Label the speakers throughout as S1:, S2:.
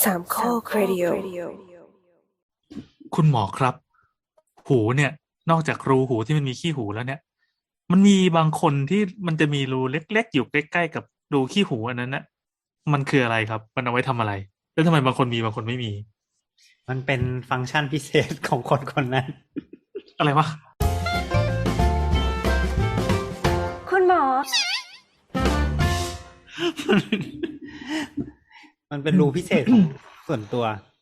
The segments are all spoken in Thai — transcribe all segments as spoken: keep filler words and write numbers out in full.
S1: สามข้อครดิโอ
S2: คุณหมอครับหูเนี่ยนอกจากรูหูที่มันมีขี้หูแล้วเนี่ยมันมีบางคนที่มันจะมีรูเล็กๆอยู่ใกล้ๆกับรูขี้หูอันนั้นนะมันคืออะไรครับมันเอาไว้ทำอะไรแล้วทำไมบางคนมีบางคนไม่มี
S3: มันเป็นฟังก์ชันพิเศษของคนคนนั้น
S2: อะไรวะ
S1: คุณหมอ
S3: มันเป็นรูพิเศษของส่วนตัว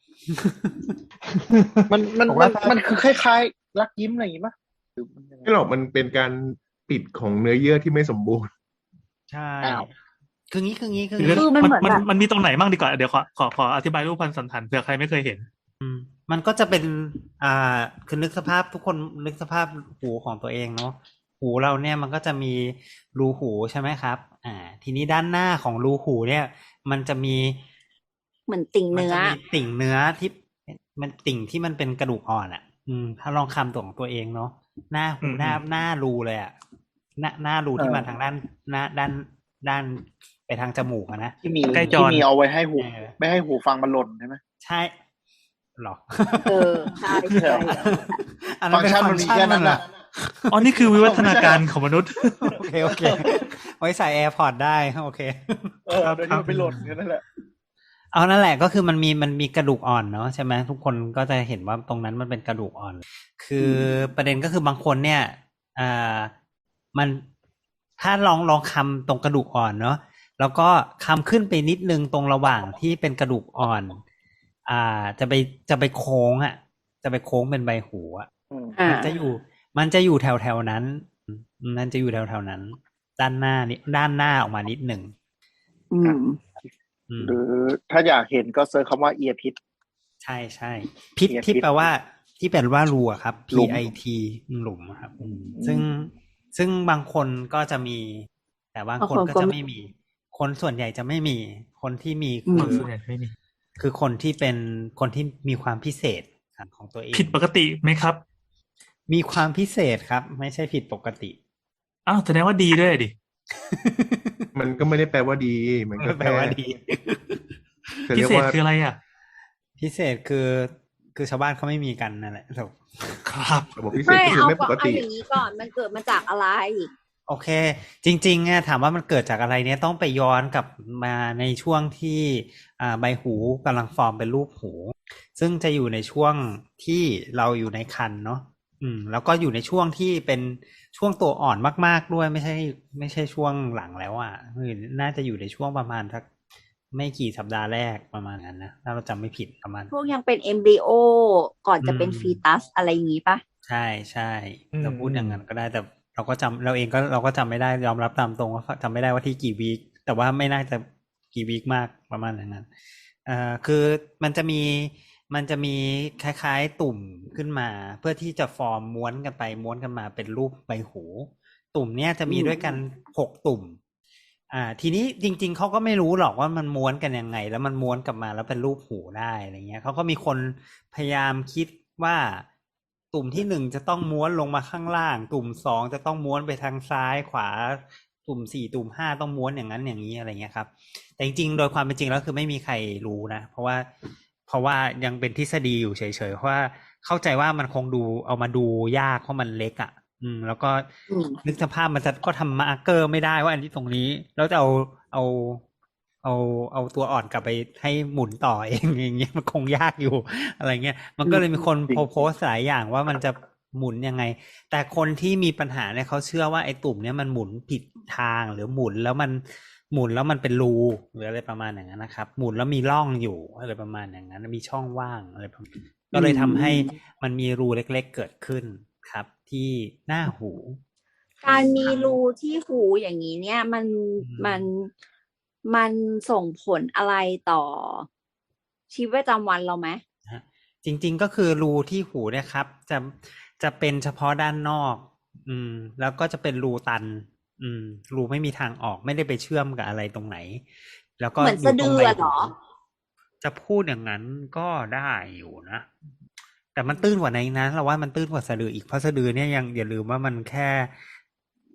S4: มันมัน
S5: ผม
S4: มั
S5: ว่าน ถ้า
S4: มันคือคล้ายๆรักยิ้มอะไรอย่างงี้ป่ะหรือมันยังไง
S5: ไม่หรอกมันเป็นการปิดของเนื้อเยื่อที่ไม่สมบูรณ์
S3: ใช่
S4: อ้าว
S3: คืองี้คืองี้คือ
S2: คือ
S3: งี้
S1: คือมันเหมือน
S2: มัน
S1: แบบ
S2: มันมีตรงไหนบ้างดีกว่าเดี๋ยวขอขอขออธิบายรูปพันสันฐานเผื่อใครไม่เคยเห็น
S3: มันก็จะเป็นอ่าคือนึกสภาพทุกคนนึกสภาพหูของตัวเองเนาะหูเราเนี่ยมันก็จะมีรูหูใช่ไหมครับ อ่า ทีนี้ด้านหน้าของรูหูเนี่ย มันจะมี
S1: เหมือนติ่ง
S3: มัน
S1: เนื้อ
S3: จะมีติ่งเนื้อที่มันติ่งที่มันเป็นกระดูกอ่อนอ่ะ อืม ถ้าลองคำตัวของตัวเองเนาะหน้าหู
S2: อืม
S3: หน้าหน้ารูเลยอ่ะหน้าหน้ารูที่มาทางด้านหน้าด้านด้านไปทางจมูกอะนะ
S4: ที่มี
S2: ใกล้จอ
S4: ที่มีเอาไว้ให้หู
S3: เออ
S4: ไม่ให้หูฟังมันหล่นใช่ไหม
S3: ใช่หรอ
S1: เออใช่ใช่
S3: อันนั้นเป็น
S4: ฟั
S3: ฟั
S4: ง
S3: ง
S4: ก์
S3: ก์
S4: ชั
S3: ชั
S4: น
S3: น
S4: มั
S3: มัน น
S4: มีแค่นั้น
S3: อะ
S4: น่ะ
S2: อ๋อนี่คือวิวัฒนาการของมนุษย์
S3: โอเคโอเค ไว้ใส่ AirPods ได้โอเค
S4: เออ
S2: ครับ
S4: โดยที่มันไปหล่นแค่นั้นแหละ
S3: เอานั่นแหละก็คือมันมีมันมีกระดูกอ่อนเนาะใช่ไหมทุกคนก็จะเห็นว่าตรงนั้นมันเป็นกระดูกอ่อน คือประเด็นก็คือบางคนเนี่ยอ่ามันถ้าลองลองคำตรงกระดูกอ่อนเนาะแล้วก็คำขึ้นไปนิดนึงตรงระหว่างที่เป็นกระดูกอ่อน อ่าจะไปจะไปโค้งอ่ะ จะไปโค้งเป็นใบหูอ่ะ
S4: อืม
S1: อ่า
S3: มันจะอยู่ มันจะอยู่แถวแถวๆนั้น มันจะอยู่แถวแถวๆนั้น ด้านหน้านี่ด้านหน้าออกมานิดหนึ่ง
S1: อืม
S3: อืม
S4: หรือถ้าอยากเห็นก็เซิร์ชคำว่าเอียพิษ
S3: ใช่ใช่พิษ
S4: เอียพิษ
S3: ที่แปลว่าที่แปลว่ารูอะครับ P
S4: หลุม
S3: I T หลุมอะครับ ซึ่งซึ่งบางคนก็จะมี แต่บางคน
S1: บางคน
S3: ก็
S1: ก็
S3: จะ
S1: ไม่
S3: ไม่มี คนส่วนใหญ่จะไม่มี คนที่มี
S1: อืม
S3: คือ
S2: ส่วนใหญ่ไม่มี
S3: คือคนที่เป็นคนที่มีความพิเศษของตัวเอง
S2: ผิดปกติไหมครับ
S3: มีความพิเศษครับ ไม่ใช่ผิดปกติ
S2: อ้าวแสดงว่าดีด้วยดิ
S5: มันก็ไม่ได้แปลว่าดี มันก็
S3: แปลว่าดี
S5: จะ
S2: พิ
S5: เรียก
S2: เศษ
S5: ว่า
S2: คืออะไรอ่ะ
S3: พิเศษคือคือชาวบ้านเขาไม่มีกันนั่นแหละถูก
S2: ครับ
S5: ระบบพิเศษ
S1: ไม่
S5: ก็คือ
S1: เอา
S5: ไม่ป
S1: ก็
S5: ก
S1: เอา
S5: ติ
S1: อย่างนี้ก่อนมันเกิดมาจากอะไร
S3: โอเค จริงๆเนี่ยถามว่ามันเกิดจากอะไรเนี่ยต้องไปย้อนกลับมาในช่วงที่อ่าใบหูกำลังฟอร์มเป็นรูปหู ซึ่งจะอยู่ในช่วงที่เราอยู่ในครรภ์เนาะอืม แล้วก็อยู่ในช่วงที่เป็นช่วงตัวอ่อนมากๆด้วยไม่ใช่ไม่ใช่ช่วงหลังแล้วอ่ะคือน่าจะอยู่ในช่วงประมาณสักไม่กี่สัปดาห์แรกประมาณนั้นนะถ้าเราจำไม่ผิดประมาณ
S1: พวกยังเป็นเอมบริโอก่อนจะเป็น
S3: อืม
S1: ฟีตัสอะไรอย่างนี้ปะ
S3: ใช่ใช่
S2: อืม
S3: เราพูดอย่างนั้นก็ได้แต่เราก็จำเราเองก็เราก็จำไม่ได้ยอมรับตามตรงว่าจำไม่ได้ว่าที่กี่วีคแต่ว่าไม่น่าจะกี่วีคมากประมาณอย่างนั้นอ่าคือมันจะมีมันจะมีคล้ายๆตุ่มขึ้นมา เพื่อที่จะฟอร์มม้วนกันไปม้วนกันมาเป็นรูปใบหู ตุ่มเนี้ยจะมีด้วยกันหกตุ่ม อ่า ทีนี้จริง ๆเขาก็ไม่รู้หรอกว่ามันม้วนกันยังไง แล้วมันม้วนกลับมาแล้วเป็นรูปหูได้อะไรเงี้ยเขาก็มีคนพยายามคิดว่า ตุ่มที่หนึ่งจะต้องม้วนลงมาข้างล่าง ตุ่มสองจะต้องม้วนไปทางซ้ายขวา ตุ่มสี่ตุ่มห้าต้องม้วนอย่างนั้นอย่างนี้อะไรเงี้ยครับ แต่จริงๆโดยความเป็นจริงแล้วคือไม่มีใครรู้นะ เพราะว่าเพราะว่ายังเป็นทฤษฎีอยู่เฉยๆเพราะว่าเข้าใจว่ามันคงดูเอามาดูยากเพราะมันเล็กอ่ะ อืม แล้วก็
S1: อืม
S3: นึกสภาพมันจะก็ทำมาร์กเกอร์ไม่ได้ว่าอันนี้ตรงนี้ แล้วจะเอาเอาเอาเอาตัวอ่อนกลับไปให้หมุนต่อเอง อย่างเงี้ยมันคงยากอยู่ อะไรเงี้ยมันก็เลยมีคน
S4: จริง
S3: โพสต์หลายอย่างว่ามันจะหมุนยังไง แต่คนที่มีปัญหาเนี่ยเขาเชื่อว่าไอ้ตุ่มเนี่ยมันหมุนผิดทางหรือหมุนแล้วมันหมุนแล้วมันเป็นรูหรืออะไรประมาณอย่างนั้นนะครับ หมุนแล้วมีร่องอยู่อะไรประมาณอย่างนั้นมีช่องว่างอะไรประมาณก็เลยทำให้มันมีรูเล็กๆเกิดขึ้นครับ ที่หน้าหู
S1: การมีรูที่หูอย่างนี้เนี่ย มัน
S3: อืม
S1: มันมันส่งผลอะไรต่อ ชีวิตประจำวันเราไหม
S3: จริงๆก็คือรูที่หูเนี่ยครับ จะจะเป็นเฉพาะด้านนอก อืม แล้วก็จะเป็นรูตัน อืม รูไม่มีทางออกไม่ได้ไปเชื่อมกับอะไรตรงไหน แล้วก็
S1: เหมือนสะดือ
S3: ใบ
S1: เหรอ
S3: จะพูดอย่างนั้นก็ได้อยู่นะ แต่มันตื้นกว่าในนั้นเราว่ามันตื้นกว่าสะดืออีกเพราะสะดือเนี่ยยังอย่าลืมว่ามันแค่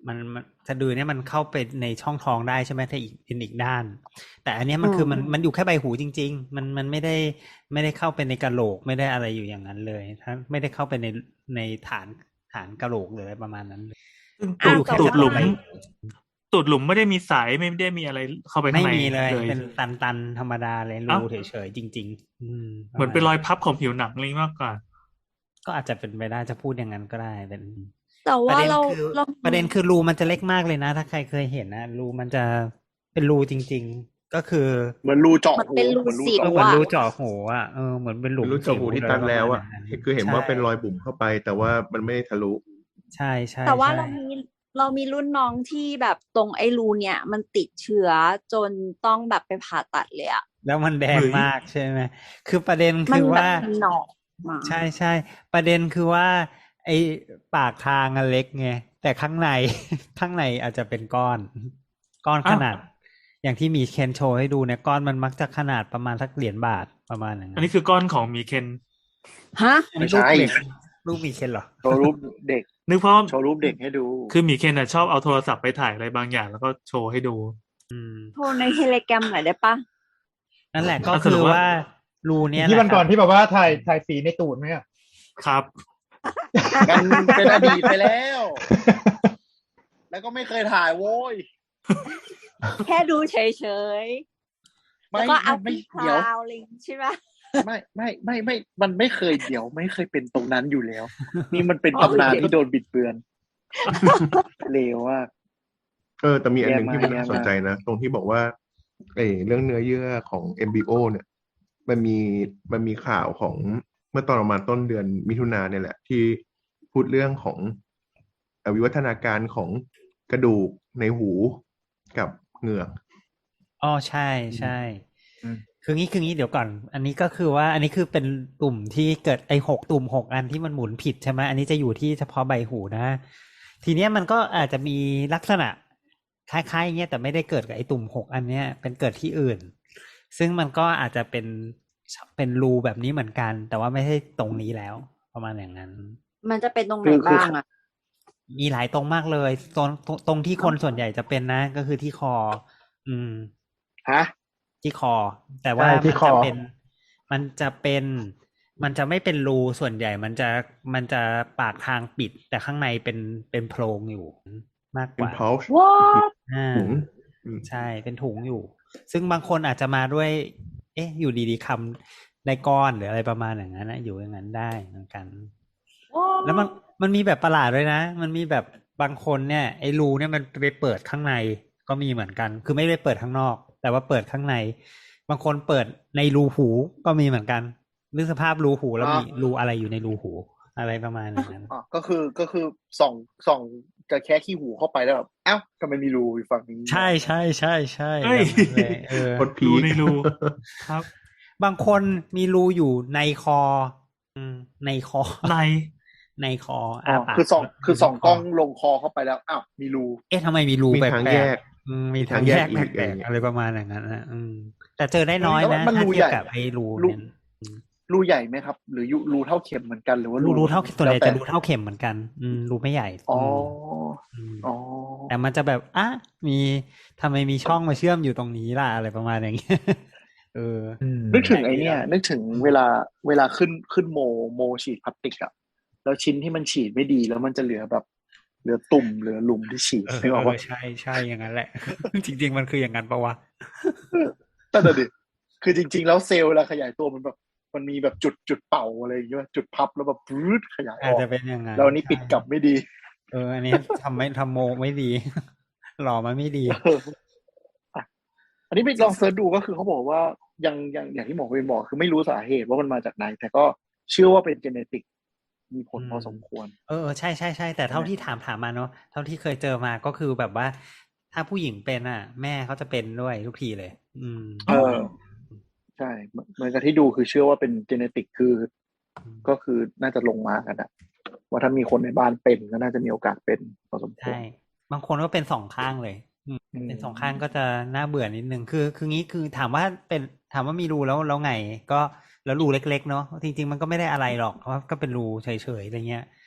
S3: มันมันสะดือเนี่ยมันเข้าไปในช่องท้องได้ใช่ไหมถ้าอีกเป็นอีกด้าน แต่อันเนี้ยมันคือมันมันอยู่แค่ใบหูจริงๆมันมันไม่ได้ไม่ได้เข้าไปในกะโหลกไม่ได้อะไรอยู่อย่างนั้นเลยถ้าไม่ได้เข้าไปในในฐานฐานกะโหลกเลยประมาณนั้นเลย
S2: ซึ่ง
S1: อ้าว
S2: ตูด
S1: แต่
S2: ตูด
S1: ว่า
S2: หลุมตูดหลุมไม่ได้มีสายไม่ได้มีอะไรเข้าไปข้า
S3: ไม่
S2: งใน
S3: มีเลย
S2: เลย
S3: เป็นตันตันธรรมดาเลย
S2: เอ้า
S3: รูเฉยๆจริงๆอืม
S2: เหมือนเป็นรอยพับของผิวหนังอะไรมากกว่า
S3: ก็อาจจะเป็นไปได้จะพูดอย่างนั้นก็ได้เป็น
S1: แต่
S3: ประ
S1: ว่า
S3: เด็น
S1: เรา
S3: คือ
S1: เรา
S3: ประเด็นคือรูมันจะเล็กมากเลยนะ ถ้าใครเคยเห็นนะรูมันจะเป็นรูจริง ๆ ก็คือ
S4: เหมือนรูเจาะ
S1: มัน
S4: หู
S1: เป็นรู
S4: เหมือนรู
S1: สิว
S4: เจาะ
S3: เหมือน
S4: หู
S3: รูเจาะหูอ่ะเออเหมือนเป็นหลุม
S5: รู้เจาะหูที่
S3: สิ
S5: ตันแล้วอ่ะ
S3: ประมาณนั้น
S5: คือเห็นว่า
S3: ใช่
S5: เป็นรอยบุ๋มเข้าไป แต่ว่ามันไม่ได้ทะลุ
S3: ใช่ใช่
S1: แต่ว่า
S3: ใช่
S1: เรามีเรามีรุ่นน้องที่แบบตรงไอ้รูเนี่ย มันติดเชื้อจนต้องแบบไปผ่าตัดเลยอะ
S3: แล้วมันแดง
S2: เฮ้ย
S3: มากใช่ไหมคือประเด็น
S1: มั
S3: คื
S1: น
S3: อ
S1: แบบ
S3: ว่า
S1: มันหนอกมา
S3: ใช่ใช่ประเด็นคือว่า ไอ้ปากทางอะเล็กไงแต่ข้างใน ข้างในอาจจะเป็นก้อน ก้อน
S2: อ้าว
S3: ขนาด อย่างที่มีเคนโชว์ให้ดูเนี่ยก้อนมันมักจะขนาดประมาณสักเหรียญบาทประมาณอย่าง
S2: อั
S3: นั้น น
S2: นี้คือก้อนของมีเคน
S1: ฮะ
S3: อันนี้รูปเด็กรูปมีเคนเหรอ
S4: โชว์รูปเด็ก
S2: นึกเพราะ
S4: โชว์รูปเด็กให้ดู
S2: คือมีเคนน่ะชอบเอาโทรศัพท์ไปถ่ายอะไรบางอย่างแล้วก็โชว์ให้ดู
S3: อืม
S1: โทรในเทเลแกรมหน่อยได้ปะ
S3: นั่นแหละก็
S2: อ่ะส
S3: คื
S2: รุ
S3: อ
S2: ปว่า
S3: ว่ารูเนี้ย
S6: ที่
S3: แห
S6: วัน
S3: ละ
S6: ก่อนที่แบบว่าถ่ายถ่ายสีในตูดไหมอ่ะ
S2: ครับ
S4: มันเป็นอดีตไปแล้ว แล้วก็ไม่เคยถ่ายโว้ย
S1: แค่ดูเฉยๆ
S4: ไม่
S1: แล้วก็เอา
S4: ไม่
S1: ปีค
S4: เดี๋ยว
S1: ราวอะไรอย่างงี้ใช่ไหม
S4: ไม่ไม่ไม่ไม่ มันไม่เคยเดี๋ยวไม่เคยเป็นตรงนั้นอยู่แล้ว นี่มันเป็นตำนานที่โดนบิดเบือนเลวว่า
S5: เออแต่มีอันหนึ่ง
S4: แย่มาก
S5: ที่มันน่า
S4: แย่มาก
S5: สนใจนะ ตรงที่บอกว่าเออเรื่องเนื้อเยื่อของ เอ็ม บี โอ เนี่ย มันมีมันมีข่าวของเมื่อตอนประมาณต้นเดือนมิถุนาเนี่ยแหละ ที่พูดเรื่องของเอ่อวิวัฒนาการของกระดูกในหูกับเหงือก
S3: อ๋อใช่ใช่
S4: อืม
S3: คืองี้คืองี้เดี๋ยวก่อน อันนี้ก็คือว่าอันนี้คือเป็นตุ่มที่เกิดไอ้หกตุ่มหกอันที่มันหมุนผิดใช่ไหมอันนี้จะอยู่ที่เฉพาะใบหูนะ ทีเนี้ยมันก็อาจจะมีลักษณะคล้ายๆอย่างเงี้ยแต่ไม่ได้เกิดกับไอ้ตุ่มหกอันเนี้ยเป็นเกิดที่อื่น ซึ่งมันก็อาจจะเป็นเป็นรูแบบนี้เหมือนกัน แต่ว่าไม่ใช่ตรงนี้แล้ว ประมาณอย่างนั้น
S1: มันจะเป็นตรงไหน
S4: คือคือ
S1: บ้างอะ
S3: มีหลายตรงมากเลยตรงตรงตรงที่คนส่วนใหญ่จะเป็นนะ ก็คือที่คอ อืม
S4: ฮะ
S3: ที่คอ แต่ว่า
S6: ใช่
S3: มัน
S6: ที่ค
S3: จะ
S6: อ
S3: เป็น มันจะเป็น มันจะไม่เป็นรูส่วนใหญ่ มันจะมันจะปากทางปิด แต่ข้างในเป็นเป็นโพรงอยู่มากก
S5: เป็น
S3: ว่า
S5: pouch
S1: ว้า
S3: อ่า
S5: ถุงอืม
S3: ใช่เป็นถุงอยู่ ซึ่งบางคนอาจจะมาด้วย เอ๊ะ อยู่ดีๆคำได้ก้อนหรืออะไรประมาณอย่างนั้นนะอยู่อย่างนั้นได้เหมือนกัน แล้วมันมันมีแบบประหลาดด้วยนะ มันมีแบบบางคนเนี่ยไอ้รูเนี่ยมันไปเปิดข้างในก็มีเหมือนกัน คือไม่ได้เปิดข้างนอก แต่ว่าเปิดข้างใน บางคนเปิดในรูหูก็มีเหมือนกันนึกสภาพรูหูแล้ว
S4: อ่ามี
S3: มีรูอะไรอยู่ในรูหู อะไรประมาณอย่างนั้น
S4: อ๋อก็คือก็คือส่องส่องจะแค่ขี้หูเข้าไปแล้วแบบเอ้าทำไมมีรูอยู่ฝั่งนี้
S3: ใช่ใช่ใช่ใช่
S2: เฮ้ย
S3: แบบนั้นเลยเออ
S5: โคตรพี
S2: รู
S5: ค
S2: ในรูครับ
S3: บางคนมีรูอยู่ในคอ อืมในคอ
S2: ใน
S3: ในคอ
S4: อ๋อ
S3: ปาก
S4: คือส่องคือส่อง
S3: ใน
S4: กล้องลงคอเข้าไปแล้วอ้าวมีรู
S3: เอ๊ะทำไมมีรู
S5: มี
S3: แปล
S5: ทาง
S3: ก
S5: แยก
S3: ๆอืมมีทางแยก
S5: มีทางแยกอีก
S3: แปลกๆอะไรประมาณอย่างนั้นนะอืมแต่เจอได้น้อย
S4: แล้ว
S3: นะ
S4: มัน
S3: ถ้า
S4: รู
S3: เทียบ
S4: ใหญ่
S3: กับไอ้รู
S4: รู
S3: เนี่ย
S4: รูใหญ่ไหมครับ หรือยูรูเท่าเข็มเหมือนกันหรือว่า
S3: รูรูเท่าส่วนใหญ่
S4: แล้วแต่
S3: จะรูเท่าเข็มเหมือนกัน อืมรูไม่ใหญ่
S4: อ๋อ
S3: อืม
S4: อ๋อ
S3: แต่มันจะแบบอ่ะมีทำไมมีช่องมาเชื่อมอยู่ตรงนี้ล่ะอะไรประมาณอย่างเงี้ย เออ
S4: นึกถึงไอเนี่ยนึกถึงเวลาเวลาขึ้นขึ้นโมโมฉีดพลาสติกอะแล้วชิ้นที่มันฉีดไม่ดีแล้วมันจะเหลือแบบเหลือตุ่มเหลือหลุมที่ฉีด
S3: เออ
S4: นึกออก
S3: เอ
S4: ว่า
S3: อใช่ใช่อย่างนั้นแหละ จริง ๆ มันคืออย่างนั้นปะวะ
S4: แต่เดี๋ยวดิคือจริง ๆ แล้วเซลล์เวลาขยายตัวมันแบบมันมีแบบจุดจุดเป่าอะไรอย่างเงี้ยจุดพับแล้วแบบปื๊ดขยายอ
S3: อาจ
S4: อก
S3: จะเป็นอย่างนั้น
S4: แล้วอันนี้ปิดกลับไม่ดี
S3: เอออันนี้ทำไม่ทำโมไม่ดี หล่อมาไม่ดี
S4: เอออ่ะอันนี้ไปลองเสิร์ชดูก็คือเขาบอกว่ายังยังอย่างที่หมอเวนบอกคือไม่รู้สาเหตุว่ามันมาจากไหน แต่ก็เชื่อว่าเป็นเจเนติกมีผลพอสมควร
S3: เออใช่ใช่ใช่แต่เท่าที่ถามถามมาเนาะเท่าที่เคยเจอมาก็คือแบบว่า ถ้าผู้หญิงเป็นอ่ะ แม่เขาจะเป็นด้วยทุกทีเลย อืม
S4: เออ ใช่เหมือนเหมือนกับที่ดูคือเชื่อว่าเป็นเจเนติกคือ ก็คือน่าจะลงมากันอะว่าถ้ามีคนในบ้านเป็นก็น่าจะมีโอกาสเป็นพอสมควร
S3: ใช่บางคนก็เป็นสองข้างเลย
S4: อืม
S3: เป็นสองข้างก็จะน่าเบื่อนิดนึงคือคืองี้คือถามว่าเป็นถามว่ามีรูแล้วแล้วไง ก็แล้วรูเล็กๆเนาะจริงๆมันก็ไม่ได้อะไรหรอกเพราะว่าก็เป็นรูเฉยๆอะไรเงี้ย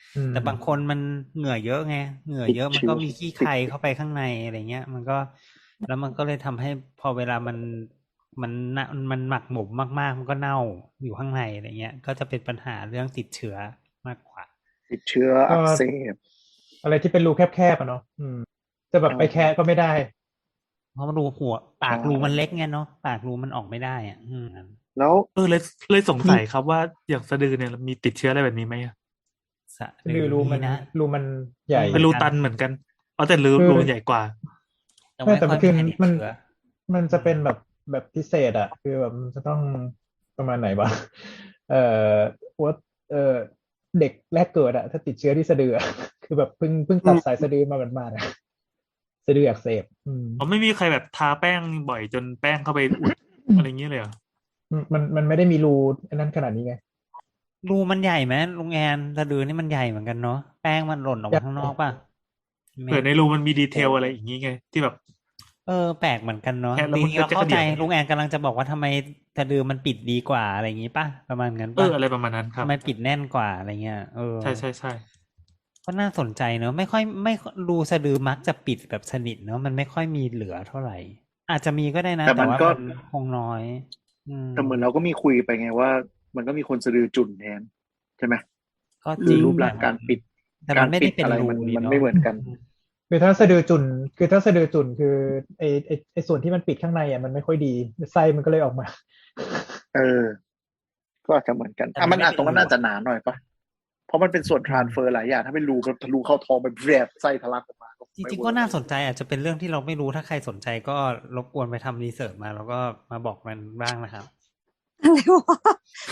S6: อืม
S3: แต่บางคนมันเหงื่อเยอะไงเหงื่อเยอะมันก็มีขี้ใครเข้าไปข้างในอะไรเงี้ย มันก็แล้วมันก็เลยทำให้พอเวลามันมันน่ะมันหมักหมมมากๆมันก็เน่าอยู่ข้างในอะไรเงี้ย ก็จะเป็นปัญหาเรื่องติดเชื้อมากกว่า
S4: ติดเชื้ออักเสบ
S6: อะไรที่เป็นรูแคบๆอ่ะเนาะอืมจะแบบไปแคะก็ไม่ได้
S3: เพราะมันรูหัวปากรูมันเล็กไงเนาะปากรูมันออกไม่ได้อ่ะอืม
S4: แล้ว
S2: เออเลยเลยสงสัยครับว่าอย่างสะดือเนี่ยมีติดเชื้ออะไรแบบนี้ไหมอะ
S3: สะ
S6: คือรูมัน
S3: นะ
S6: รูมันใหญ่
S2: เป็นรูตันเหมือนกันอ๋อแต่รู
S6: คือ
S2: รูมันใหญ่กว่า
S3: แต่
S6: ไม่
S3: ไม่
S6: แต่
S3: ค่
S6: มั
S3: อย
S6: นคือ
S3: มีใครติด
S6: มัน
S3: เชื้อ
S6: มันจะเป็นแบบแบบพิเศษอะคือแบบมันจะต้องประมาณไหนวะเอ่อว่าเอ่อเด็กแรกเกิดอะถ้าติดเชื้อที่สะดืออะ คือแบบเพิ่งเพิ่งตัดสายสะดือมาหมาดๆอะสะดืออักเสบอืม
S2: อ๋อไม่มีใครแบบทาแป้งบ่อยจนแป้งเข้าไปอุด อะไรอย่างเงี้ยเลยเหรอ
S6: มันมันไม่ได้มีรูอันนั้นขนาดนี้ไง
S3: รูมันใหญ่ไหมลุงแอนสะดือนี่มันใหญ่เหมือนกันเนาะแป้งมันหล่นออกมาข้างนอกป่ะ
S2: เผื่อในรูมันมีดีเทลอะไรอย่างงี้ไง ที่แบบ
S3: เออแปลกเหมือนกันเนาะ
S2: แค่แล้ว
S3: จ
S2: มัน
S3: ริงๆเรา
S2: ก็จะ
S3: เข้าใจ
S2: กระเดี่ยว
S3: ลุงแอนกำลังจะบอกว่าทำไมสะดือมันปิดดีกว่าอะไรอย่างงี้ป่ะประมาณนั้น
S2: เอ
S3: ป่ะ
S2: ออะไรประมาณนั้นครับ
S3: ทำไมปิดแน่นกว่าอะไรเงี้ยเออ
S2: ใช่ใช่ใช่
S3: ก็น่าสนใจเนอะไม่ค่อยไม่รูสะดือมักจะปิดแบบสนิทเนอะมันไม่ค่อยมีเหลือเท่าไหร่ อาจจะมีก็ได้นะ
S4: แต่
S3: แต่
S4: มัน
S3: ว่า
S4: ก็
S3: มันคงน้อย อืม
S4: แต่เหมือนเราก็มีคุยไปไงว่า มันก็มีคนสะดือจุ่นแทนใช่ไหม
S3: ก็จ
S4: คื
S3: ริ
S4: อง รูปร่าง
S3: แต่
S4: การปิด
S3: แต่
S4: กา
S3: มั
S4: ร
S3: นไม่
S4: ปิ
S3: ได้
S4: ด
S3: เป็น
S4: อะไร
S3: รู
S4: มัน
S3: นี่
S4: มัน
S3: เนาะ
S4: ไม่เหมือนกัน
S6: คือถ้าสะดือจุ่นคือถ้าสะดือจุ่นคือไอไอไอส่วนที่มันปิดข้างในอ่ะมันไม่ค่อยดีไส้มันก็เลยออกมา
S4: เออ ก็อาจจะเหมือนกัน
S3: แต่
S4: อ่ะ
S3: มั
S4: มัน น
S3: ไม่
S4: อาจ
S3: เป็น
S4: ตรงนั้น
S3: รู
S4: น่าจะหนาหน่อยปะเพราะมันเป็นส่วนทรานเฟอร์หลายอย่างถ้าเป็นรูแบบทะลุเข้าท้องไปแผลบไส้ทะลักออกมา
S3: จริงๆก็น่าสนใจอาจจะเป็นเรื่องที่เราไม่รู้ถ้าใครสนใจก็รบกวนไปทำรีเสิร์ชมาแล้วก็มาบอกมันบ้างนะครับ
S1: อะไรวะ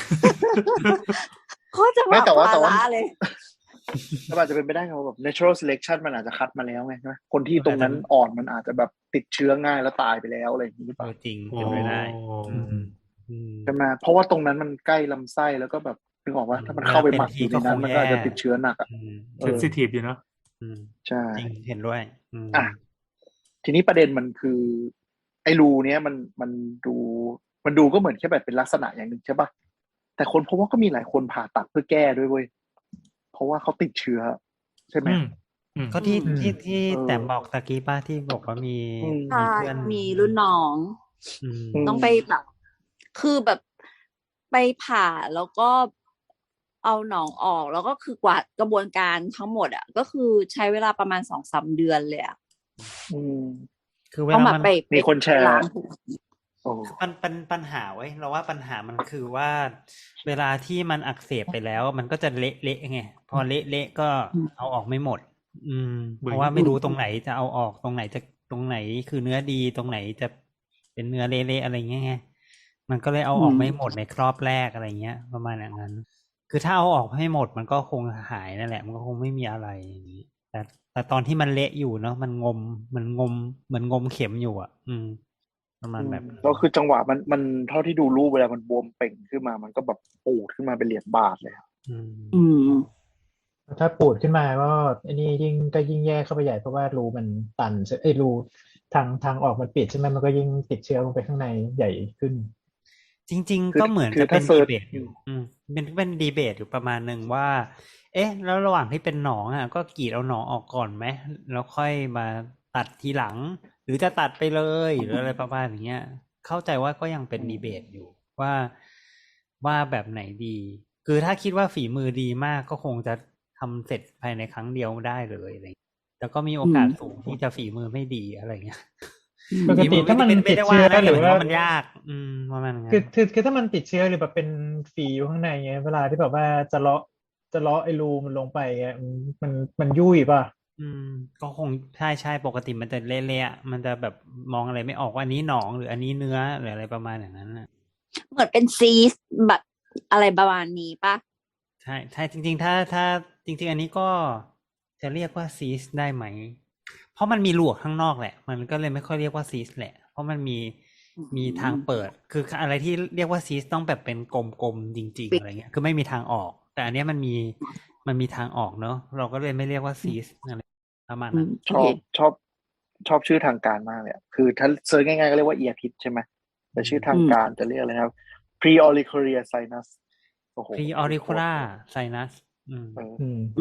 S1: โคตรจะ
S4: ไม่
S1: แบบ
S4: แต่ว่า
S1: ภา
S4: แต่ว่า
S1: ระเลย
S4: แต่อาจจะเป็นไปได้ครับแบบ natural selection มันอาจจะคัดมาแล้วไงใช่ไหมคนที่ตรงนั้นอ่อนมันอาจจะแบบติดเชื้อง่ายแล้วตายไปแล้วอะไรอย่างนี้หรือเป
S3: เอ
S4: ล่า
S3: อจริง
S2: โอ้
S3: เป็นไปได้อืมอืม
S4: ใช่ไหมเพราะว่าตรงนั้นมันใกล้ลำไส้แล้วก็แบบนึกออกว่าถ้ามันเข้าไปหมักอยู่ในนั้นมันก็อาจจะติดเชื้อหนักอ่ะ
S3: อืม
S4: เอ
S2: เซน
S4: อ
S2: ซิทีฟอยู่เนาะ
S3: อืม
S4: ใช่
S3: จริงเห็นด้วย อืม
S4: อ่ะทีนี้ประเด็นมันคือ ไอ้รูเนี้ยมันมันดูมันดูก็เหมือนแค่แบบเป็นลักษณะอย่างหนึ่งใช่ป่ะแต่คนพบว่าก็มีหลายคนผ่าตัดเพื่อแก้ด้วยเว้ยเพราะว่าเขาติดเชื้อใช่ไหม
S2: อืมอืม
S3: ก็ที่
S6: อืม
S3: ที่ที่
S4: เออ
S3: แต่บอกตะกี้ป้าที่บอกว่ามี
S4: อืม
S1: ใช่
S3: มีเพื่อน
S1: มีรุ่นน้อง
S3: อืม
S4: อืม
S1: ต้องไปแบบ คือแบบไปผ่าแล้วก็เอาหนองออก แล้วก็คือกว่ากระบวนการทั้งหมดอ่ะ ก็คือใช้เวลาประมาณสองสามเดือนเลยอ่ะ
S4: อืม
S3: คือเว
S1: ต้อง
S3: ลา
S1: แบบ
S3: มัน
S1: ไป
S4: มีคนแชร์
S1: ไปล้าง
S4: โอ้
S3: มันเป็นปัญหาไว้ยเราว่าปัญหามันคือว่าเวลาที่มันอักเสบไปแล้ว มันก็จะเละเละไงพอเละเละก็เอาออกไม่หมด อืม
S2: เบื่อ
S3: เพราะว่าไม่รู้ตรงไหนจะเอาออกตรงไหนจะตรงไหนคือเนื้อดีตรงไหนจะเป็นเนื้อเละๆอะไรเงี้ยไงมันก็เลยเอาออกไม่หมดในครอบแรกอะไรเงี้ย ประมาณอย่างนั้น คือถ้าเอาออกให้หมดมันก็คงหายนั่นแหละ มันก็คงไม่มีอะไรอย่างนี้ แต่แต่ตอนที่มันเละอยู่เนาะมันงมมันงมเหมือนงมเข็มอยู่อ่ะ อืม ประมาณแบบนั้น
S4: แล้วคือจังหวะมันมันเท่าที่ดูรูปเวลามันบวมเป่งขึ้นมา มันก็แบบปูดขึ้นมาเป็นเหรียญบาทเลยครับ
S3: อืม
S1: อืม
S6: ถ้าปูดขึ้นมาก็ไอ้นี่ยิ่งก็ยิ่งแย่เข้าไปใหญ่เพราะว่ารูมันตันใช่ไอ้รูทางทางออกมันปิดใช่ไหมมันก็ยิ่งติดเชื้อลงไปข้างในใหญ่ขึ้น
S3: จริง
S4: คื
S3: ๆ
S4: อ
S3: ก็เหมือน
S4: คือ
S3: จะเป็น
S4: ถ้าเซิ
S3: ดี
S4: ร์ช
S3: เบตอยู่ อืมเป็นเป็นดีเบตอยู่ประมาณหนึ่งว่า เอ๊ะ แล้วระหว่างที่เป็นหนองอ่ะ ก็กรีดเอาหนองออกก่อนไหมแล้วค่อยมาตัดทีหลัง หรือจะตัดไปเลยหรืออะไรประมาณอย่างเงี้ย เข้าใจว่าก็ยังเป็นดีเบตอยู่ว่าว่าแบบไหนดี คือถ้าคิดว่าฝีมือดีมากก็คงจะทำเสร็จภายในครั้งเดียวได้เลยอะไรอย่างเงี้ยแต่ก็มีโอกาส
S1: อืม
S3: สูงที่จะฝีมือไม่ดีอะไรเงี้ย
S6: ปกติถ้ามัน
S3: ฝีอไได้
S6: ติดเชื้อ
S3: ไม่ได้ว่านะ
S6: หรือ
S3: แต่หมายถึง
S6: ว่า
S3: ว่ามันยาก อืมประมาณนั้น
S6: คือคือคือถ้ามันติดเชื้อหรือแบบเป็นฝีอยู่ข้างในเงี้ยเวลาที่แบบว่าจะเลาะจะเลาะไอ้รูมันลงไปเงี้ยมันมันมันยุ่ยป่ะ
S3: อืมก็คงใช่ใช่ปกติมันจะเละๆอะมันจะแบบมองอะไรไม่ออกว่าอันนี้หนองหรืออันนี้เนื้อหรืออะไรประมาณอย่างนั้นน่ะ
S1: เหมือนเป็นซีสแบบอะไรประมาณนี้ปะ
S3: ใช่ใช่จริง ๆ ถ้าถ้าจริง ๆ อันนี้ก็จะเรียกว่าซีสได้ไหม เพราะมันมีหลวกข้างนอกแหละ มันก็เลยไม่ค่อยเรียกว่าซีสแหละ เพราะมันมีมีทางเปิด คืออะไรที่เรียกว่าซีสต้องแบบเป็นกลมๆจริง ๆ อะไรเงี้ยคือไม่มีทางออก แต่อันเนี้ยมันมีมันมีทางออกเนอะเราก็เลยไม่เรียกว่าซีสอะไรประมาณ
S1: อื
S3: นั้
S1: ม
S3: น
S4: ชอบชอบชอบชื่อทางการมากเลยอะคือถ้าเซิร์ชง่ายๆก็เรียกว่าเอียพิษใช่ไหมแต่ชื่อทางการจะเรียกอะไรนะครับ pre-auricular sinus โอ้โห
S3: pre auricular sinus อืม
S4: เออ
S6: อืม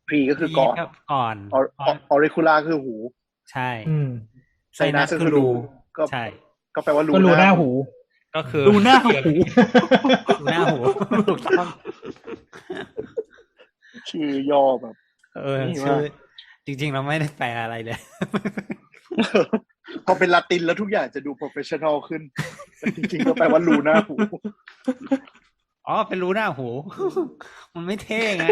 S4: pre ก็คือก่อน
S3: ก่อน
S4: auricular คือหู
S3: ใช่
S6: อืม
S4: sinus คือรู ก็
S3: ใช่
S4: ก็แปลว่ารู
S6: ก็รูหน้าหู
S3: ก็คือ
S2: ดูหน้าหู
S3: รูหน้าหูถูกต้อง
S4: ชื่อย่อแบบ
S3: เออ
S4: นี่
S3: ชื่
S4: ว่า
S3: อจริงๆเราไม่ได้แปลอะไรเลย
S4: พอเป็นลาตินแล้วทุกอย่างจะดู professional ขึ้นแต่จริงๆก็แปลว่ารูหน้าหู
S3: อ๋อเป็นรูหน้าหู มันไม่เท่ไง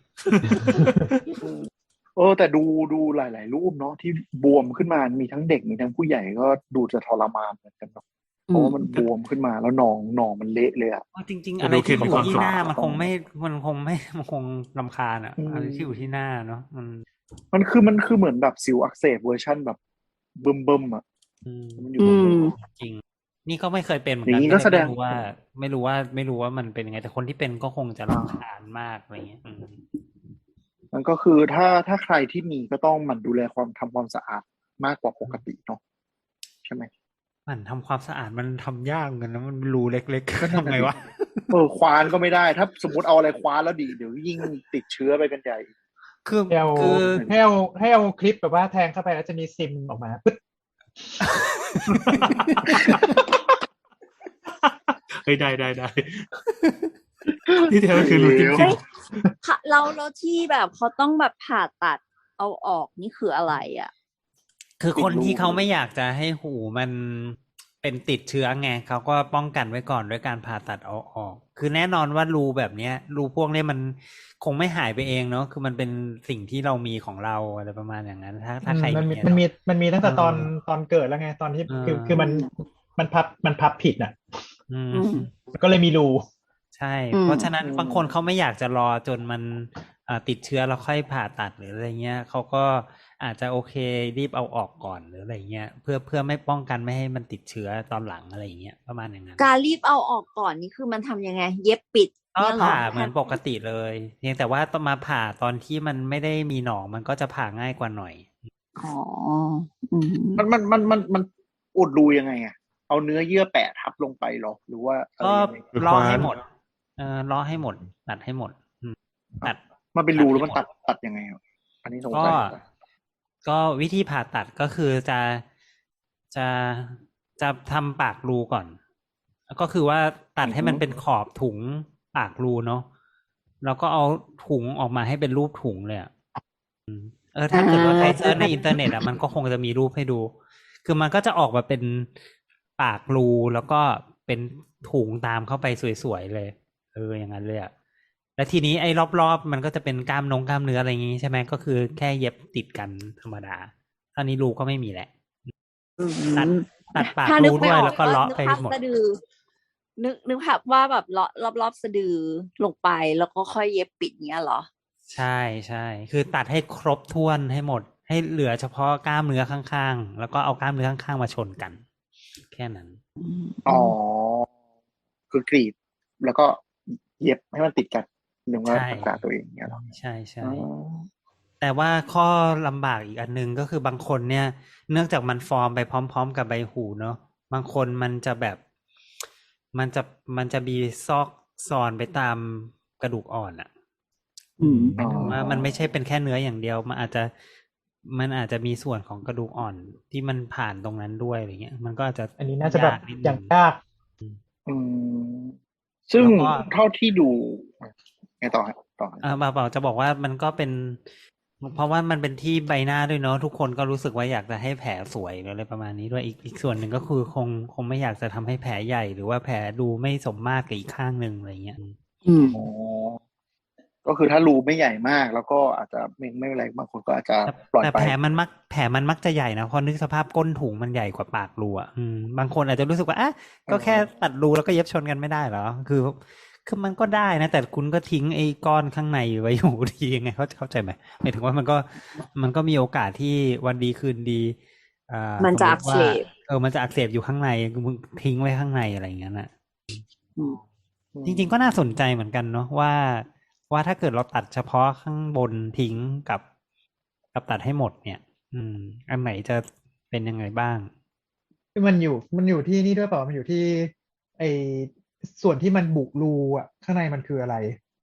S4: เออแต่ดูดูหลายๆรูปเนาะที่บวมขึ้นมามีทั้งเด็กมีทั้งผู้ใหญ่ก็ดูจะทรมานเหมือนกันเนาะเพราะว่ามันบวมขึ้นมาแล้วหนองหนองมันเละเลยอ่ะ
S3: จริงๆอะไรที่อยู่ที่หน้ามันคงไม่มันคงไม่มันคงรำคาญอ่ะ
S4: อืม
S3: อะไรที่อยู่ที่หน้าเนาะมัน
S4: มันคือมันคือเหมือนแบบสิวอักเสบเวอร์ชั่นแบบเบิ่มเบิ่มๆอ่ะ
S3: อืม
S4: มันอยู่
S1: อื
S4: บน
S1: ม
S4: หัว
S3: จริง นี่ก็ไม่เคยเป็นเหมือน
S4: อ
S3: กั
S4: ย่านงนี้
S3: ไม่
S4: ก็แสดง
S3: ไม่รู้ว่า ไม่รู้ว่าไม่รู้ว่ามันเป็นยังไงแต่คนที่เป็นก็คงจะรำคาญมากอะไรเงี้ยอืม
S4: มันก็คือถ้าถ้าใครที่มีก็ต้องหมั่นดูแลความทำความสะอาดมากกว่าปกติเนาะใช่ไหม
S3: มันทำความสะอาดมันทำยากเหมือนกันนะมันรูเล็กๆก็ทำไงวะ
S4: เออควานก็ไม่ได้ ถ้าสมมติเอาอะไรคว้านแล้วดีเดี๋ยวยิ่งติดเชื้อไปกันใหญ่
S3: คือ
S6: ให้เอา
S3: คือ
S6: ให้เอาให้เอาคลิปแบบว่าแทงเข้าไปแล้วจะมีซิมออกมาปึ๊ด
S2: เฮ้ยได้ได้ได้ ที่แท้ก็คือรูจริง
S1: ค่ะเราแล้วที่แบบเขาต้องแบบผ่าตัดเอาออกนี่คืออะไรอ่ะ
S3: คือคน
S4: ติดรู
S3: ที่เขาไม่อยากจะให้หูมันเป็นติดเชื้อไงเขาก็ป้องกันไว้ก่อนด้วยการผ่าตัดเอาออก คือแน่นอนว่ารูแบบเนี้ยรูพวกเนี้ยมันคงไม่หายไปเองเนาะคือมันเป็นสิ่งที่เรามีของเราอะไรประมาณอย่างนั้น ถ้าถ้าใคร
S6: มันมี
S3: เย
S6: มันมี
S3: เนาะ
S6: มันมีตั้งแต่ตอน
S3: เออ
S6: ตอนเกิดแล้วไงตอนที่
S3: เออ
S6: คือคือมันมันพับมันพับผิดน่ะ
S3: อืม
S1: อืม
S6: ก็เลยมีรู
S3: ใช่
S1: อืม
S3: เพราะฉะนั้น
S4: อืม
S3: บางคนเขาไม่อยากจะรอจนมันเอ่อติดเชื้อแล้วค่อยผ่าตัดหรืออะไรเงี้ยเขาก็อาจจะโอเครีบเอาออกก่อนหรืออะไรเงี้ยเพื่อเพื่อไม่ป้องกันไม่ให้มันติดเชื้อตอนหลังอะไรเงี้ยประมาณอย่างนั้น
S1: การรีบเอาออกก่อนนี่คือมันทำยังไง เย็บปิด
S3: ก็
S1: เนี่ยเหรอ
S3: ผ่าเหมือนปกติเลยเพียงแต่ว่าต้องมาผ่าตอนที่มันไม่ได้มีหนองมันก็จะผ่าง่ายกว่าหน่อย
S1: อ๋ออืม
S4: มันมันมันมันมันอุดรูยังไงอ่ะเอาเนื้อเยื่อแปะทับลงไปหรอหรือว่าอะไร
S3: ก็
S4: ยังไง
S5: หรือ
S3: ล้อ
S5: คว้าน
S3: ให้หมด เออล้อให้หมด ตัดให้หมดอืมตัด
S4: มันเป็นรูแล้ว
S3: ตั
S4: มั
S3: ด
S4: น
S3: ให้หม
S4: ตั
S3: ด
S4: ดตัดยังไงอ่ะอันนี้สง
S3: ก็
S4: สัย
S3: ก็วิธีผ่าตัดก็คือจะจะจะทำปากรูก่อน ก็คือว่าตัดให้มันเป็นขอบถุงปากรูเนาะแล้วก็เอาถุงออกมาให้เป็นรูปถุงเลยอ่ะอืมเออถ้าเกิดว่าใครเซิร์ชในอินเทอร์เน็ตอ่ะมันก็คงจะมีรูปให้ดู คือมันก็จะออกมาเป็นปากรูแล้วก็เป็นถุงตามเข้าไปสวยๆเลย เอออย่างนั้นเลยอ่ะแล้วทีนี้ไอ้รอบๆมันก็จะเป็นกล้ามนงกล้ามเนื้ออะไรอย่างงี้ใช่ไหมก็คือแค่เย็บติดกันธรรมดาท่านี้รูก็ไม่มีแหละ ตัดตัดปาก
S1: ถ้านึก
S3: รู
S1: ไม่
S3: ด้วย
S1: ออก
S3: แล้วก็เลาะ
S1: นึก
S3: ไป
S1: ภาพ
S3: หมด
S1: สะดือ นึกนึกภาพว่าแบบเลาะรอบรอบๆสะดือลงไปแล้วก็ค่อยเย็บปิดเงี้ยเหรอ
S3: ใช่ใช่คือตัดให้ครบถ้วนให้หมด ให้เหลือเฉพาะกล้ามเนื้อข้างๆแล้วก็เอากล้ามเนื้อข้างๆมาชนกัน แค่นั้น
S4: อ๋อคือกรีดแล้วก็เย็บให้มันติดกันหรือว่า
S3: ใช่
S4: รักษาตัวเองเนี่ยหรอ
S3: ใช่ใช่
S4: อ๋อ
S3: แต่ว่าข้อลำบากอีกอันหนึงก็คือบางคนเนี่ย เนื่องจากมันฟอร์มไปพร้อม ๆ กับใบหูเนาะบางคนมันจะแบบ มันจะมันจะมีซอกซอนไปตามกระดูกอ่อนอะ
S1: อืม
S3: หมายถึงว่ามันไม่ใช่เป็นแค่เนื้ออย่างเดียว มันอาจจะมันอาจจะมีส่วนของกระดูกอ่อนที่มันผ่านตรงนั้นด้วยอะไรเงี้ย มันก็อาจจะ
S6: อันนี้น่าจะแบบ
S3: ยกนิดนึ
S6: อย่างยาก
S4: อืมซึ่ง
S3: แล้วก็
S4: เท่าที่ดูไงต่อฮะต่อฮะ
S3: เออเปล่าๆจะบอกว่ามันก็เป็น เพราะว่ามันเป็นที่ใบหน้าด้วยเนาะทุกคนก็รู้สึกว่าอยากจะให้แผลสวยหรืออะไรประมาณนี้ด้วยอีกอีกส่วนหนึ่งก็คือคงคงไม่อยากจะทำให้แผลใหญ่ หรือว่าแผลดูไม่สมมาตรกับอีกข้างหนึ่งอะไรเงี้ย
S1: อืม
S4: อ๋อก็คือถ้ารูไม่ใหญ่มากแล้วก็อาจจะไม่ไม่เป็นไรบางคนก็อาจจะ
S3: แต่
S4: ปล่อย
S3: แต่
S4: ไป
S3: แผลมันมักแผลมันมักจะใหญ่นะเพราะนึกสภาพก้นถุงมันใหญ่กว่าปากรูอ่ะอืมบางคนอาจจะรู้สึกว่าอ่ะก็แค่ตัดรูแล้วก็เย็บชนกันไม่ได้เหรอคือคือมันก็ได้นะแต่คุณก็ทิ้งไอ้ก้อนข้างในไว้อยู่ดียังไงเขาเข้าใจไหมหมายถึงว่ามันก็มันก็มีโอกาสที่วันดีคืนดีอ่า
S1: มันจะ
S3: ส
S1: อั
S3: ติ
S1: ก
S3: ว่า
S1: เสบ
S3: เออมันจะอักเสบอยู่ข้างในมึงทิ้งไว้ข้างในอะไรอย่างเงี้ยน่ะ
S1: อืม
S3: จริงๆก็น่าสนใจเหมือนกันเนาะว่าว่าถ้าเกิดเราตัดเฉพาะข้างบนทิ้งกับกับตัดให้หมดเนี่ย อืม อันไหนจะเป็นยังไงบ้าง
S6: มันอยู่มันอยู่ที่นี่ด้วยเปล่ามันอยู่ที่ไอส่วนที่มันบุรูอ่ะข้างในมันคืออะไร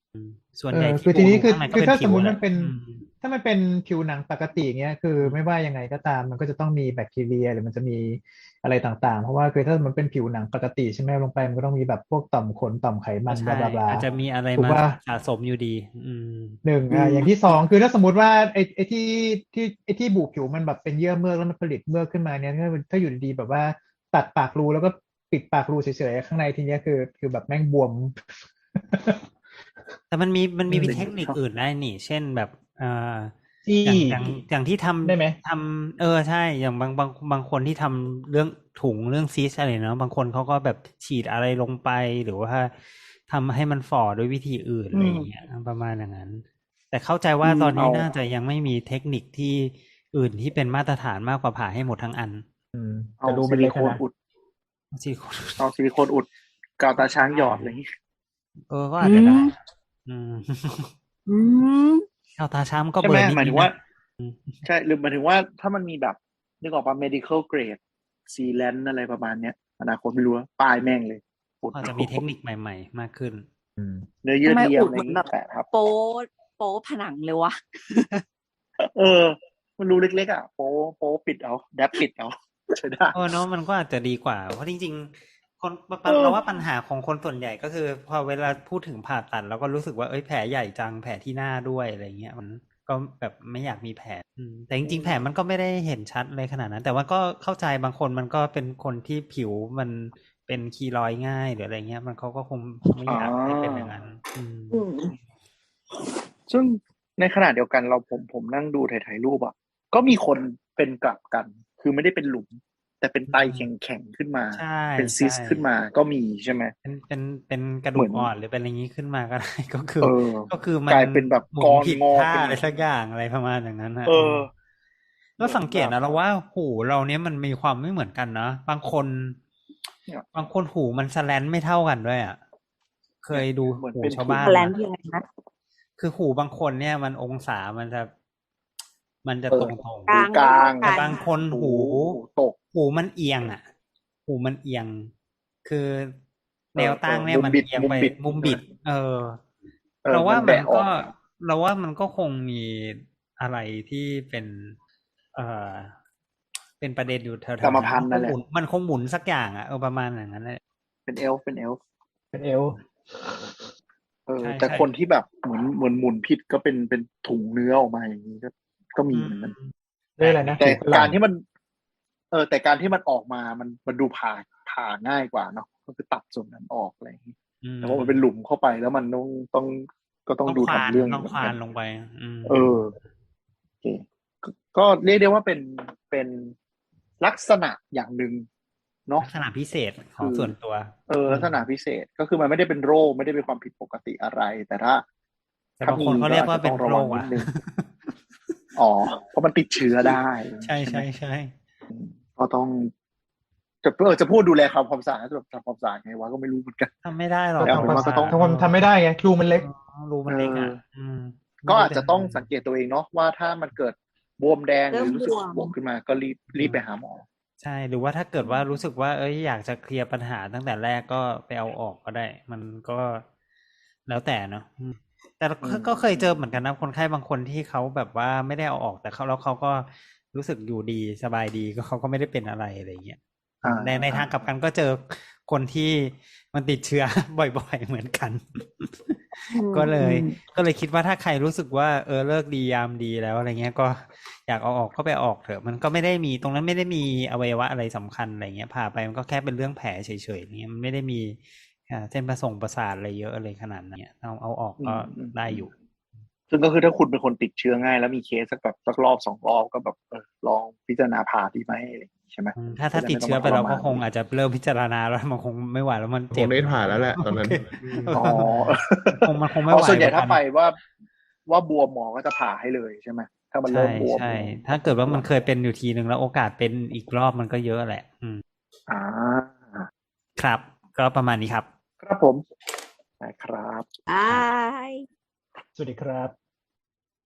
S3: ส่วน
S6: เอ
S3: ใหญ่
S6: อ
S3: ที่
S6: คือทีนี้
S3: ปู
S6: คือ
S3: ข้างในก็
S6: คือ
S3: เป็น
S6: ถ้า
S3: ผิ
S6: สม
S3: ว
S6: มติ
S3: แห
S6: มั
S3: ละ
S6: นเป็น
S3: อืม
S6: ถ้ามันเป็นผิวหนังปกติเงี้ยคือไม่ว่ายังไงก็ตามมันก็จะต้องมีแบคทีเรียหรือมันจะมีอะไรต่างๆ เพราะว่าคือถ้ามันเป็นผิวหนังปกติใช่ไหมลงไปมันก็ต้องมีแบบพวกต่อมขนต่อมไขมั
S3: ก็
S6: นบ
S3: ใช่
S6: ลาบลา
S3: อาจจะมีอะไร
S6: ถูก
S3: มา
S6: ป่ะ
S3: สะสมอยู่ดี อืม
S6: หนึ่ง
S4: อื
S6: อ่าม อย่างที่สองคือถ้าสมมติว่าไอ้ไอ้ที่ที่ไอ้ที่บุผิวมันแบบเป็นเยื่อเมือกแล้วมันผลิตเมือกขึ้นมาเนี่ยถ้าถ้าอยู่ดีๆแบบว่าตัดปากรูแล้วก็ปิดปากรูเฉยๆข้างในทีเนี้ยคือคือแบบแม่งบวม
S3: แต่มันมีมันมี
S6: อืม
S3: เทคนิคอื่นได้นี่ เช่นแบบเอ่อ
S6: จี้
S3: อย่างอย่างอย่างที่ทำ
S6: ได้ไหม
S3: ทำเออใช่ อย่างบางบางบางคนที่ทำเรื่องถุงเรื่องซีสอะไรเนาะบางคนเขาก็แบบฉีดอะไรลงไปหรือว่าทำให้มันฝ่อด้วยวิธีอื่น
S4: อื
S3: อะไร
S4: ม
S3: อย่างเงี้ยประมาณอย่างนั้น แต่เข้าใจว่า
S4: อืม
S3: ตอนนี้
S4: เอา
S3: น่าจะยังไม่มีเทคนิคที่อื่นที่เป็นมาตรฐานมากกว่าผ่าให้หมดทั้งอัน
S6: อืม
S4: เอา
S6: แต่รู
S4: ซิ
S6: มัน
S4: ลิ
S6: เล็ก
S4: โค
S6: อะ
S4: น
S6: นะ
S4: อุด
S3: ซิลิโคน
S4: เอาซิลิโคนอุดกาวตาช้างหยอดอะไรอย่างงี้
S3: เออก็อาจจะได้ อืม
S1: อืม
S3: เอาตาช้ำก็
S4: ใช่
S3: เบ
S4: ไห
S3: ล
S4: ม
S3: อนิด
S4: หมาย
S3: ๆ
S4: ถึงว่า
S3: นะ อืม
S4: ใช่หรือหมายถึงว่าถ้ามันมีแบบนึกออกป่ะ medical grade sealant อะไรประมาณเนี้ยอนาคตไม่รู้ว่าป้ายแม่งเลยอุด
S3: อาจจะมีเทคนิคใหม่ ๆ มากขึ้น
S6: อืม
S4: เนื้อเยื่
S1: ทำ
S4: อ
S1: ไม
S4: เทีย
S1: อุ
S4: ม
S1: ด
S4: อะไรอ
S1: เหมื
S4: ย่า
S1: อง น
S4: งี้
S1: แบบ
S4: แปะทับ
S1: โป๊โป๊ผนังเลยวะ
S4: เออ มันรูเล็กๆอ่ะโป๊โป๊ปิดเอาแดบปิดเอา ใช่ได้
S3: เออเนาะมันก็อาจจะดีกว่า เพราะจริงๆ คน
S4: เออ
S3: เราว่าปัญหาของคนส่วนใหญ่ก็คือ พอเวลาพูดถึงผ่าตัดเราก็รู้สึกว่าเอ้ยแผลใหญ่จังแผลที่หน้าด้วยอะไรเงี้ยมันก็แบบไม่อยากมีแผลอืมแต่จริงๆแผลมันก็ไม่ได้เห็นชัดเลยขนาดนั้น แต่ว่าก็เข้าใจบางคนมันก็เป็นคนที่ผิวมันเป็นคีลอยด์ง่ายหรืออะไรเงี้ย มันเขาก็คงไม่อยากให้เป็นอย่างนั้น อืม
S1: อืม
S4: ซึ่งในขณะเดียวกันเราผมผมนั่งดูถ่ายๆรูปอ่ะก็มีคนเป็นกลับกัน คือไม่ได้เป็นหลุม แต่เป็นไต
S3: อืม
S4: แข็งๆขึ้นมา
S3: ใช่
S4: เป็นซิ
S3: ใช่
S4: สขึ้นมาก็มีใช่ไหม
S3: เป็นเป็นเป็นกระ
S4: เห
S3: ดู
S4: มื
S3: ก
S4: อน
S3: อ่อนหรือเป็นอะไรอย่างนี้ขึ้นมาก็ได้ ก็คือ
S4: เออ
S3: ก็คือมัน
S4: กลายเป็นแบบ
S3: หมุ
S4: ก
S3: น
S4: อน
S3: ผิด
S4: งอ
S3: ท่า
S4: เป็น
S3: อะไรสักอย่างอะไรประมาณอย่างนั้นนะ
S4: เออ
S3: แล้วสังเกต
S4: เหมือนแบบ
S3: นะเราว่าหูเราเนี้ยมันมีความไม่เหมือนกันนะบางคน
S4: เนี่ย
S3: บางคนหูมันสแลนไม่เท่ากันด้วยอ่ะเคยดู
S4: เหมือน
S3: หู
S4: เป็น
S3: ชาว
S4: ถุง
S3: บ้าน
S1: แลน
S3: มา
S1: คืออะไรนะ
S3: คือหูบางคนเนี่ยมันองศามันจะ มันจะ
S4: เออ
S3: ตรงตรง
S1: กลาง
S4: กลาง
S3: แต่บางคน
S4: หู
S3: หู
S4: หูตก
S3: หูมันเอียงอ่ะ หูมันเอียง คือ
S4: เออ
S3: แนวตั้ง
S4: เออ
S3: เนี่ย
S4: มุม
S3: มัน
S4: บิด
S3: เอียง
S4: มุม
S3: ไป
S4: บิด
S3: มุมบิด เออ
S4: เออ
S3: เราว่า
S4: มัน
S3: มัน
S4: แบะอ
S3: ก็
S4: อก
S3: เราว่ามันก็คงมีอะไรที่เป็น เอ่อ เป็นประเด็นอยู่แถว
S4: กรรม
S3: ๆ
S4: พั
S3: นั้น น
S4: ธุ์
S3: มั
S4: นั่
S3: น
S4: น
S3: คง
S4: แหละ
S3: หมุน มันคงหมุนสักอย่างอ่ะ เออ ประมาณอย่างนั้นแหละ
S4: เป็นเอลฟ์เป็นเอลฟ์
S6: เป็นเอว
S4: เออ
S3: ใช่
S4: แต่
S3: ใช่
S4: คนที่แบบเหมือนเหมือนหมุนผิดก็เป็นเป็นถุงเนื้อออกมาอย่างนี้ก็ก็มี
S3: อื
S4: เหมือนกัน
S3: ม
S6: เรียกอะไรนะ
S4: แต่
S6: หูฝรั่ง
S4: การที่มัน เออ แต่การที่มันออกมามันมันดูผ่าผ่าง่ายกว่าเนาะก็คือตัดส่วนนั้นออกอะไรอย่างนี้
S3: อืม
S4: แต่ว่ามันเป็นหลุมเข้าไปแล้วมันต้องต้องก็ต้อง
S3: ต้อง
S4: ดู
S3: ควาน
S4: ทำเรื่อง
S3: ต้อง
S4: เหมือ
S3: คน วา
S4: กัน น
S3: ลงไป อืม
S4: เออโอเคก็ก็เรียกได้ว่าเป็นเป็นลักษณะอย่างหนึ่งเนาะ
S3: ลักษณะพิเศษข
S4: คือ อง
S3: ส่วนตัว
S4: เออลักษณะพิเศษก็คือมันไม่ได้เป็นโรคไม่ได้เป็นความผิดปกติอะไร แต่ถ้า
S3: แต่
S4: ถ้า
S3: บาง
S4: มี
S3: คนเขา
S4: ก็
S3: เรีย
S4: อาก จ
S3: ว่า
S4: จะ
S3: เป็
S4: ต้
S3: น
S4: องระ
S3: โร
S4: วัง
S3: ค
S4: นิ
S3: อ่ะ
S4: ดนึง อ๋อ เพราะมันติดเชื้อได้
S3: ใช่
S4: ใช่ไห
S3: ใช่
S4: ม
S3: ใช่
S4: อืมก็ต้องจะเออจะพูดดูแลความความสะอาดจะแบบทำความสะอาดไงวะก็ไม่รู้เหมือนกัน
S3: ทำไม่ได้หรอ
S6: ก็
S3: ก
S4: แต่
S6: ทำ
S4: ผม
S6: ความ
S4: ว่าก็ต้อง
S6: ทำความทำไม่ได้ไงรูมันเล็ก
S3: เออรูมันเล็กอ่ะ
S4: เออ
S3: อืม
S4: ก็
S3: ไม่รู้
S4: อาจจะต้องสังเกตตัวเองเนาะว่าถ้ามันเกิดบวมแดงห
S1: เริ่
S4: รือ
S1: ม
S4: รู้
S1: บ
S4: สึก
S1: วม
S4: บวมขึ้นมาก็รีบรีบไปหาหมอ
S3: ใช่ หรือว่าถ้าเกิดว่ารู้สึกว่า เอ้ยอยากจะเคลียร์ปัญหาตั้งแต่แรกก็ไปเอาออกก็ได้ มันก็แล้วแต่เนาะอืมแต่
S4: อื
S3: ก็
S4: ม
S3: ก็เคยเจอเหมือนกันนะคนไข้บางคนที่เขาแบบว่าไม่ได้เอาออกแต่เขาแล้วเขาก็รู้สึกอยู่ดีสบายดีก็เขาก็ไม่ได้เป็นอะไรอะไรอย่างเงี้ย
S4: อ่า
S3: ในใน
S4: อ่า
S3: ทางกลับกันก็เจอคนที่มันติดเชื้อ บ่อยๆเหมือนกัน
S1: อืม
S3: ก็เล
S1: อื
S3: ย
S1: ม
S3: ก็เลยคิดว่าถ้าใครรู้สึกว่าเออเลิกดียามดีแล้วอะไรเงี้ยก็อยากเอาออกก็ไปออกเถอะ มันก็ไม่ได้มีตรงนั้นไม่ได้มีอวัยวะอะไรสำคัญอะไรเงี้ยผ่าไปมันก็แค่เป็นเรื่องแผลเฉยๆเงี้ยมันไม่ได้มีอ่าเส้นประสงประสาทอะไรเยอะอะไรขนาดนั้นเนี่ยเอาเอาออก
S4: อื
S3: ก็
S4: มอืม
S3: ได้อยู่
S4: ซึ่งก็คือถ้าคุณเป็นคนติดเชื้อง่าย แล้วมีเคสสักแบบสักรอบสองรอบก็แบบเออลองพิจารณาผ่าดีไหมอะไรอย่างงี้ใช่ไหม
S3: อืมถ้าถ้า
S4: จะ
S3: ติด
S4: ไม่ต้
S3: เชื้อ
S4: มา
S3: ไปเราก็
S4: ทรมน
S3: คงอาจจะเริ่มพิจารณาแล้วมันคงไม่ไหวแล้วมัน
S5: ค
S3: เจ็
S5: ง
S3: บ
S5: ได้ผ่าแล้วแหละตอนนั้น
S3: โเค
S4: อ๋อ
S3: คงมันคงไม่
S4: อ๋
S3: ไห
S4: อ
S3: ว
S4: ส่วนใหญ่
S3: เหมือน
S4: ถ้า
S3: กัน
S4: ไปว่าว่าบวมหมอก็จะผ่าให้เลยใช่ไหมถ้ามัน
S3: ใช่
S4: เริ่มบวม
S3: ใช่ ถ้าเกิดว่ามันเคยเป็นอยู่ทีนึงแล้วโอกาสเป็นอีกรอบมันก็เยอะแหละ อืม
S4: อ่า
S3: ครับ ก็ประมาณนี้ครับ
S4: ครับผมได้ครับ
S1: บาย
S6: สวัสดีครับ